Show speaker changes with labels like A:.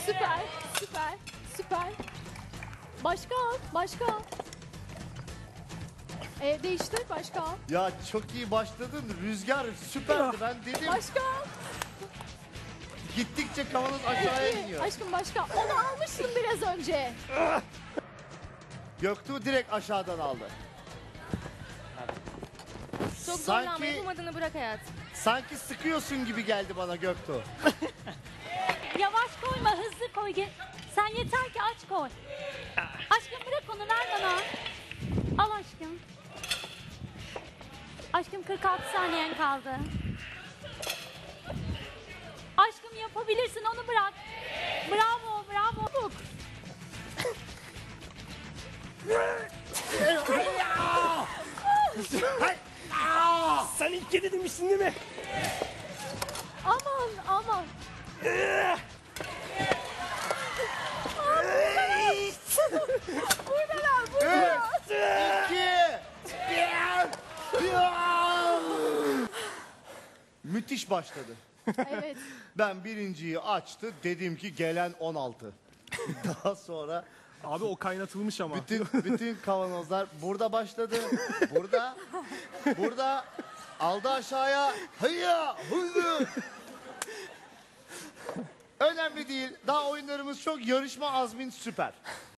A: Süper, süper, süper. Başka al, başka al. Değiştir, başka al.
B: Ya çok iyi başladın. Rüzgar süperdi. Ben dedim.
A: Başka al.
B: Gittikçe kavanoz aşağıya
A: İki.
B: iniyor.
A: Aşkım başka. Onu almıştın biraz önce.
B: Göktuğ direkt aşağıdan aldı.
C: Çok
B: Sanki-
C: zorlanma, yapamadığını bırak hayat.
B: Sanki sıkıyorsun gibi geldi bana Göktuğ.
D: Yavaş koyma, hızlı koy. Sen yeter ki aç koy. Aşkım bırak onu, ver bana. Al aşkım. Aşkım 46 saniyen kaldı. Aşkım yapabilirsin, onu bırak. Bravo, bravo.
E: Sen ilk kedi demiştin değil mi?
A: Aman, aman. Buradalar, burada.
B: 2 Müthiş başladı.
A: Evet.
B: Ben birinciyi açtı. Dedim ki gelen 16. Daha sonra
E: Abi o kaynatılmış ama.
B: bütün kavanozlar burada başladı. Burada aldı aşağıya. Hıyya, hıyya. Önemli değil. Daha oyunlarımız çok, yarışma azmin süper.